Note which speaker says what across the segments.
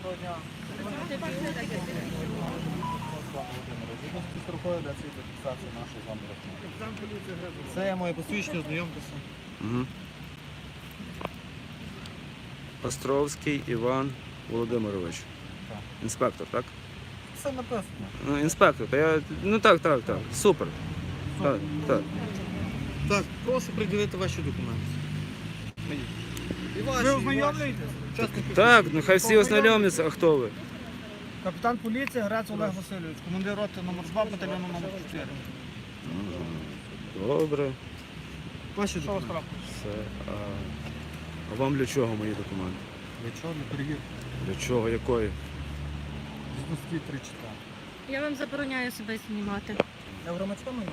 Speaker 1: Доброго дня. З рукою для цієї фіксації нашої з вами розмови. Це я моє посвідчення, ознайомтеся.
Speaker 2: Угу. Островський Іван Володимирович.
Speaker 1: Так.
Speaker 2: Інспектор, так?
Speaker 1: Все написано.
Speaker 2: Ну, інспектор, то я... Ну так. Супер. Так.
Speaker 1: Так, прошу приділити ваші документи. Ви ознайомлюєтесь?
Speaker 2: Так, ну хай всі ознайомляться, а хто ви?
Speaker 1: Капітан поліції Грець Олег Васильович, командир роти номер 2 батальйону номер 4.
Speaker 2: Добре.
Speaker 1: Ваші документи.
Speaker 2: Все. А вам для чого мої документи?
Speaker 1: Для чого? Для перевірки.
Speaker 2: Для чого? Якої?
Speaker 1: Згідно статті 3 читаю.
Speaker 3: Я вам забороняю себе знімати.
Speaker 1: Я в громадському місці.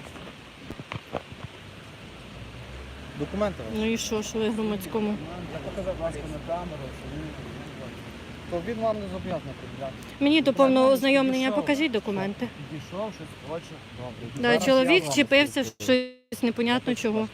Speaker 1: Документи ваші.
Speaker 3: Ну і що ви в громадському?
Speaker 1: Я показав, будь ласка, на камеру, що він... То він вам не зобов'язаний приділяти.
Speaker 3: Мені до повного ознайомлення покажіть документи.
Speaker 1: Підійшов, щось хоче. Добре.
Speaker 3: Да,
Speaker 1: Зараз я
Speaker 3: чоловік
Speaker 1: вам
Speaker 3: вчепився в
Speaker 1: розкажу.
Speaker 3: щось непонятно чого.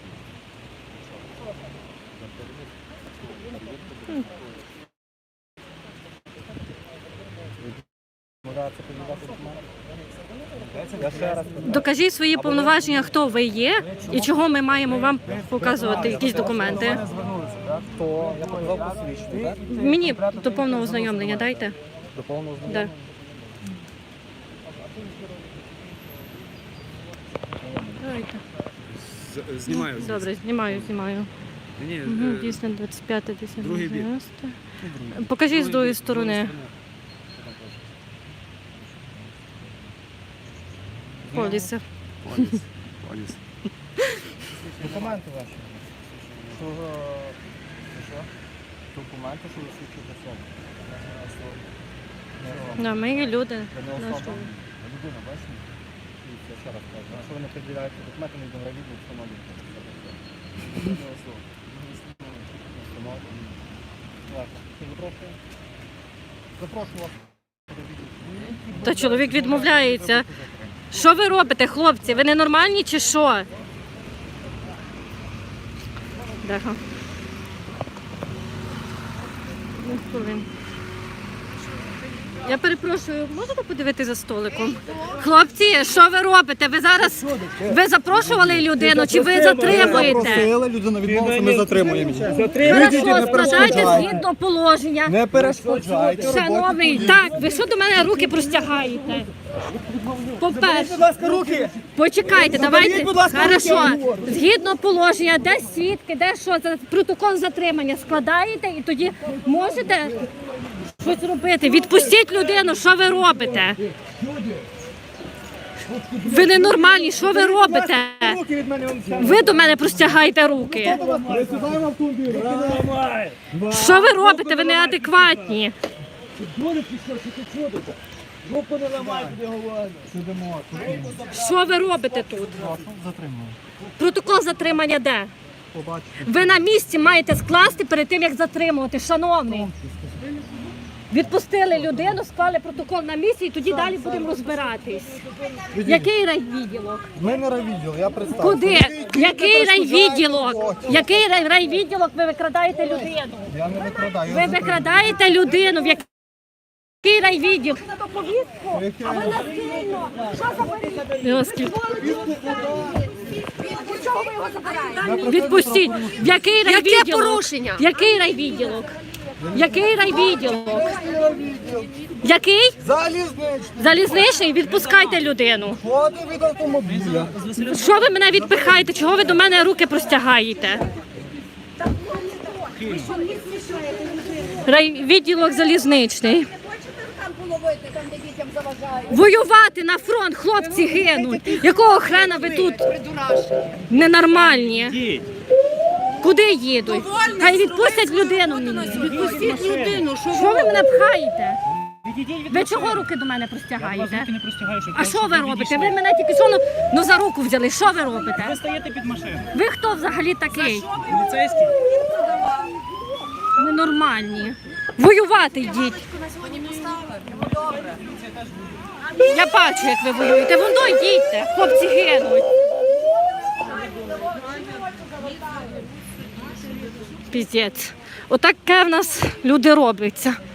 Speaker 1: Я ще раз
Speaker 3: Докажіть свої повноваження, хто ви є і чого ми маємо вам показувати якісь документи.
Speaker 1: звернулися, так? То я показав посвідчення, так?
Speaker 3: Мені до повного ознайомлення дайте.
Speaker 1: До повного
Speaker 3: Да.
Speaker 1: знайомлення.
Speaker 3: Давайте.
Speaker 2: Знімаю.
Speaker 3: Добре, знімаю.
Speaker 2: Ні,
Speaker 3: Угу, дійсно, 25, 10,
Speaker 2: другий бік.
Speaker 3: 90. Покажіть з другої сторони. Поліса.
Speaker 2: Поліс.
Speaker 1: Документи ваші. Що? Документи, що ви свідчите особу.
Speaker 3: Да, ми є люди.
Speaker 1: Це не
Speaker 3: Наш
Speaker 1: особа. Людина, бачите? Я ще раз кажу. Якщо ви не приділяєте документи, не добровільно встановлюєте. Це не особа. Запрошую вас.
Speaker 3: Та чоловік відмовляється. Що ви робите, хлопці? Ви ненормальні чи що? Деха. Ну, хвилин. Я перепрошую, можете подивитися за столиком? Хлопці, що ви робите? Ви зараз запрошували людину чи ви затримуєте?
Speaker 1: Запросили, людина відмовилася, ми затримуємо її.
Speaker 3: Хорошо, складайте згідно положення.
Speaker 1: Не перешкоджайте.
Speaker 3: Шановний, так, ви що до мене руки простягаєте? По-перше,
Speaker 1: Будь ласка, руки!
Speaker 3: почекайте, давайте.
Speaker 1: будь ласка,
Speaker 3: Хорошо,
Speaker 1: руки.
Speaker 3: згідно положення, де свідки, де що, за протокол затримання складаєте і тоді можете щось робити. Відпустіть людину, що ви робите? Ви ненормальні, що ви робите?
Speaker 1: Руки від мене вам
Speaker 3: Ви до мене простягаєте руки.
Speaker 1: Присідаємо автомобіль.
Speaker 3: Що ви робите? Ви неадекватні.
Speaker 1: Руку не ламайте, де говоримо. Сидимо.
Speaker 3: Що ви робите тут?
Speaker 1: Затримуємо.
Speaker 3: Протокол затримання де?
Speaker 1: Побачите.
Speaker 3: Ви на місці маєте скласти перед тим, як затримувати, шановний. Відпустили людину, склали протокол на місці і тоді далі будемо розбиратись. Який райвідділок?
Speaker 1: Ми не райвідділ, я представлю.
Speaker 3: Куди? Який райвідділок? Який райвідділок ви викрадаєте людину?
Speaker 1: Я не викрадаю.
Speaker 3: Ви викрадаєте людину, в який райвідділ? А ви насильно. Що за Відпустіть. В який райвідділок? Яке порушення? Який райвідділок? Який райвідділок? Який?
Speaker 1: Залізничний.
Speaker 3: Залізничний? Відпускайте людину.
Speaker 1: Ходи від автомобіля.
Speaker 3: Що ви мене відпихаєте? Чого ви до мене руки простягаєте? Райвідділок залізничний. Воювати на фронт, хлопці гинуть. Якого хрена ви тут ненормальні? Куди їдуть? Хай відпустять людину мені. Відпустіть людину. Що ви мене пхаєте? Ви чого руки до мене простягаєте? А що ви робите? Ви мене тільки що ну за руку взяли. Що ви робите?
Speaker 4: Ви стоїте під машиною.
Speaker 3: Ви хто взагалі такий?
Speaker 4: Поліцейський.
Speaker 3: Ненормальні. Воювати йдіть. Я бачу, як ви воюєте. Воно йдіть. Хлопці гинуть. Піздець. Отаке в нас люди робляться.